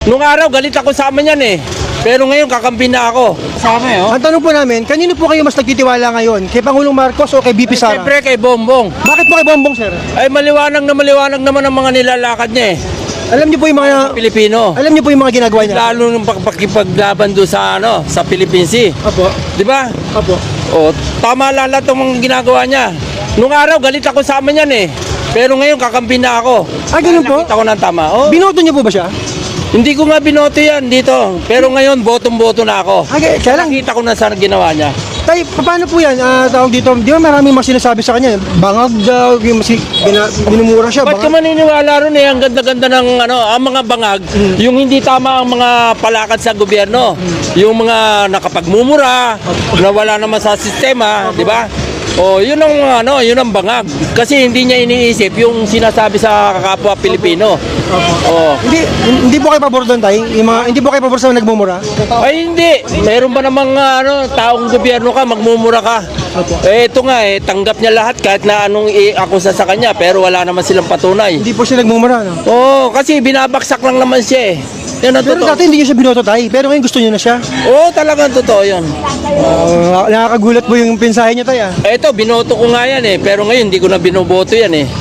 Nung araw, galit ako sa amin yan eh. Pero ngayon, kakampi na ako. Kasama eh, oh. Ang tanong po namin, kanino po kayo mas nagtitiwala ngayon? Kay Pangulong Marcos o kay BP Sara? Siyempre kay Bongbong. Bakit po kay Bongbong, sir? Ay maliwanag naman ang mga nilalakad niya eh. Alam niyo po yung mga Pilipino. Alam niyo po yung mga ginagawa niya? Lalo nung pakipaglaban doon sa sa Philippine Sea. Opo. Di ba? Opo. O, tama lahat ng mga ginagawa niya. Nung araw, galit ako sa amin yan eh. Pero ngayon, kakampi na ako. Ah, ganun po? Nakita ko ng tama. Oh, Binoto niyo po ba siya? hindi ko nga binoto yan dito. Pero ngayon, botong-boto na ako. Kaya lang, Nakita ko na sana ginawa niya. tay, paano po yan? Tawag dito, di ba maraming mga sinasabi sa kanya? Bangag daw, yung binumura siya. Ba't ka maniniwala ron eh? Ang ganda-ganda ng ang mga bangag, yung hindi tama ang mga palakad sa gobyerno. Yung mga nakapagmumura, na wala naman sa sistema, di ba? O, yun ang yun ang bangag. Kasi hindi niya iniisip yung sinasabi sa kapwa Pilipino. O. Hindi po kayo pabor doon, tay? Hindi po kayo pabor sa nagmumura? Ay hindi. Meron ba namang taong gobyerno ka, magmumura ka? Eh ito nga tanggap niya lahat kahit na anong i-akusa sa kanya pero wala naman silang patunay. Hindi po siya nagmumura, no? Oo, kasi binabaksak lang naman siya eh. Yan ang Pero totoo. dati hindi niyo siya binoto, tay. Pero ngayon gusto niyo na siya. Oo, talagang totoo yun. Nakakagulat po yung pinsahe niyo, tay, ah. Eto, binoto ko nga yan eh. Pero ngayon, hindi ko na binoboto yan eh.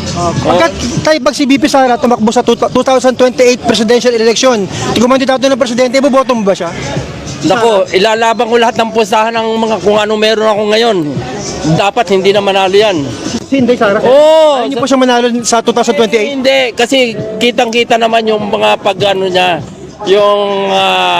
Pag si BP Sara tumakbo sa 2028 presidential election, kumandidato ng presidente, boboto mo ba siya? Nako, ilalaban ko lahat ng pusahan ng mga kung ano meron ako ngayon. Dapat hindi na manalo yan. Si Inday Sara? Oo. Ayaw niyo po siya manalo sa 2028? Hindi, kasi kitang-kita naman yung mga pag-ano niya. Yung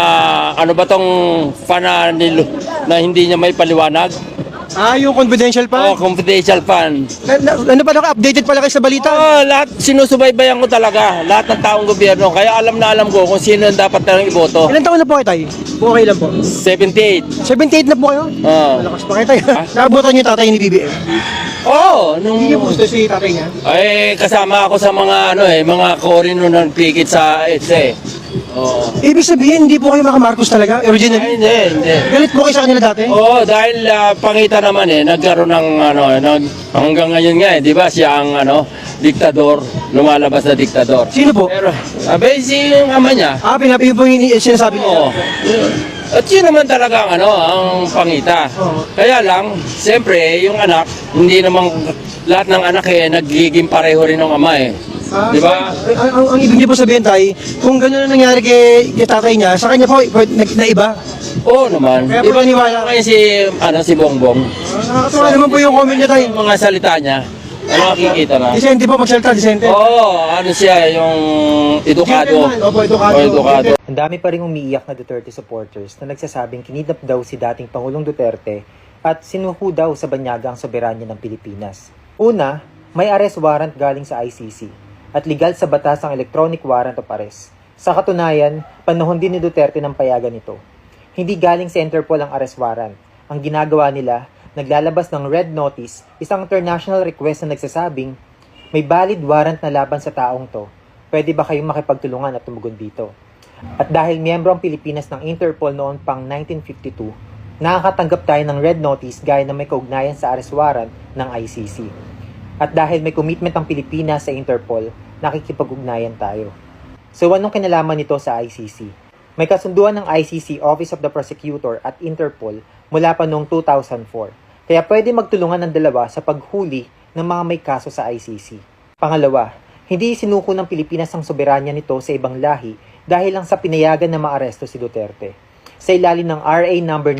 ano ba tong fananil na hindi niya may paliwanag? Yung confidential Oh, pa? confidential fund. Ano pa, updated pala kayo sa balita? Oh, lahat sinusubaybayan ko talaga. Lahat ng taong gobyerno. Kaya alam na alam ko kung sino ang dapat na iboto. Ilan taon na po kayo, tay? Okay lang po. 78. 78 na po kayo? Oh. Malakas pa kayo, tay. Naabutan niyo yung tatay ni BBM? Oh, Hindi niyo po gusto si tatay niya? ay kasama ako sa mga mga korino ng pikit sa EDSA. Oh. Ibig sabihin, hindi po kayo mga Marcos talaga? Ay, Originally? hindi. Galit po kayo sa kanila dati? Oo, dahil pangita naman nagkaroon ng hanggang ngayon nga di ba siya ang diktador, lumalabas na diktador. Sino po? Pero si yung ama niya. Pinapigil po yung sinasabi niya. Oo. At yun naman talaga ang pangita. Kaya lang, siyempre, yung anak, hindi naman lahat ng anak nagiging pareho rin ng ama eh. Di ba? Ang ibig niyo po sabihin, tay, kung gano'n ang nangyari kay tatay niya, sa kanya po, naiba. Oo naman. Kaya Di ba paniwala ngayon si Bongbong? Nakakatawa naman po yung comment niya, tay. Yung mga salita niya, nakikita na. Disente po, magsalita, disente. Oo, siya, yung edukado. Opo, edukado. O, edukado. Ang dami pa rin umiiyak na Duterte supporters na nagsasabing kinidnap daw si dating Pangulong Duterte at sinuho daw sa banyaga ang soberanya ng Pilipinas. Una, may arrest warrant galing sa ICC at legal sa batas ang electronic warrant of arrest. Sa katunayan, panahon din ni Duterte ng payagan nito. Hindi galing sa Interpol ang arrest warrant. Ang ginagawa nila, naglalabas ng red notice, isang international request na nagsasabing, may valid warrant na laban sa taong to. Pwede ba kayong makipagtulungan at tumugon dito? At dahil miyembro ang Pilipinas ng Interpol noon pang 1952, nakakatanggap tayo ng red notice gaya na may kaugnayan sa arrest warrant ng ICC. At dahil may commitment ang Pilipinas sa Interpol, nakikipag-ugnayan tayo. So anong kinalaman nito sa ICC? May kasunduan ng ICC Office of the Prosecutor at Interpol mula pa noong 2004. Kaya pwede magtulungan ng dalawa sa paghuli ng mga may kaso sa ICC. Pangalawa, hindi sinuko ng Pilipinas ang soberanya nito sa ibang lahi dahil lang sa pinayagan na maaresto si Duterte. Sa ilalim ng RA number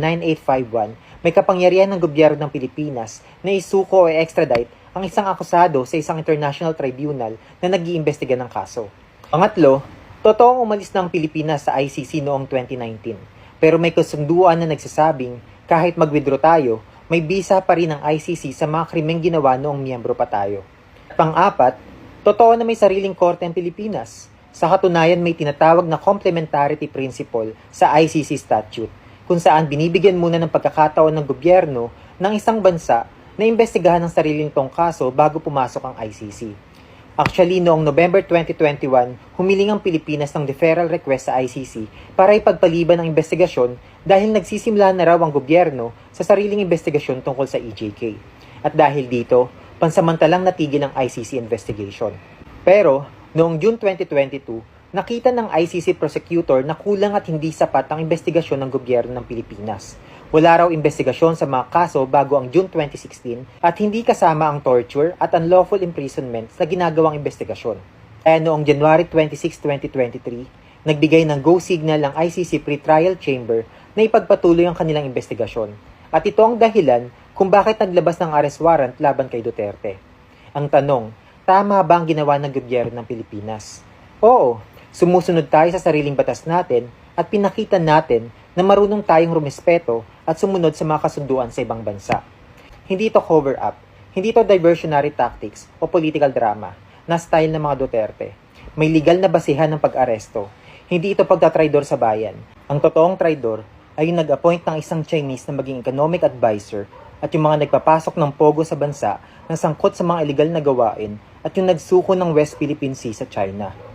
9851, may kapangyarihan ng gobyerno ng Pilipinas na isuko o extradite ang isang akusado sa isang international tribunal na nag-iimbestiga ng kaso. Pangatlo, totoong umalis ng Pilipinas sa ICC noong 2019. Pero may kasunduan na nagsasabing kahit mag-withdraw tayo, may visa pa rin ang ICC sa mga krimeng ginawa noong miyembro pa tayo. Pang-apat, totoo na may sariling korte ang Pilipinas. Sa katunayan may tinatawag na complementarity principle sa ICC statute, kung saan binibigyan muna ng pagkakataon ng gobyerno ng isang bansa na imbestigahan ang sariling tong kaso bago pumasok ang ICC. Actually, noong November 2021, humiling ang Pilipinas ng deferral request sa ICC para ipagpaliban ang investigasyon dahil nagsisimula na raw ang gobyerno sa sariling investigasyon tungkol sa EJK. At dahil dito, pansamantalang natigil ang ICC investigation. Pero, noong June 2022, Nakita ng ICC prosecutor na kulang at hindi sapat ang investigasyon ng gobyerno ng Pilipinas. Wala raw investigasyon sa mga kaso bago ang June 2016 at hindi kasama ang torture at unlawful imprisonment sa ginagawang investigasyon. Kaya noong January 26, 2023, nagbigay ng go signal ang ICC Pretrial Chamber na ipagpatuloy ang kanilang investigasyon. At ito ang dahilan kung bakit naglabas ng arrest warrant laban kay Duterte. Ang tanong, tama ba ang ginawa ng gobyerno ng Pilipinas? Oo, sumusunod tayo sa sariling batas natin at pinakita natin na marunong tayong rumespeto at sumunod sa mga kasunduan sa ibang bansa. Hindi ito cover-up, hindi ito diversionary tactics o political drama na style ng mga Duterte. May legal na basihan ng pag-aresto. Hindi ito pagtatraidor sa bayan. Ang totoong traidor ay yung nag-appoint ng isang Chinese na maging economic advisor at yung mga nagpapasok ng pogo sa bansa na sangkot sa mga illegal na gawain at yung nagsuko ng West Philippine Sea sa China.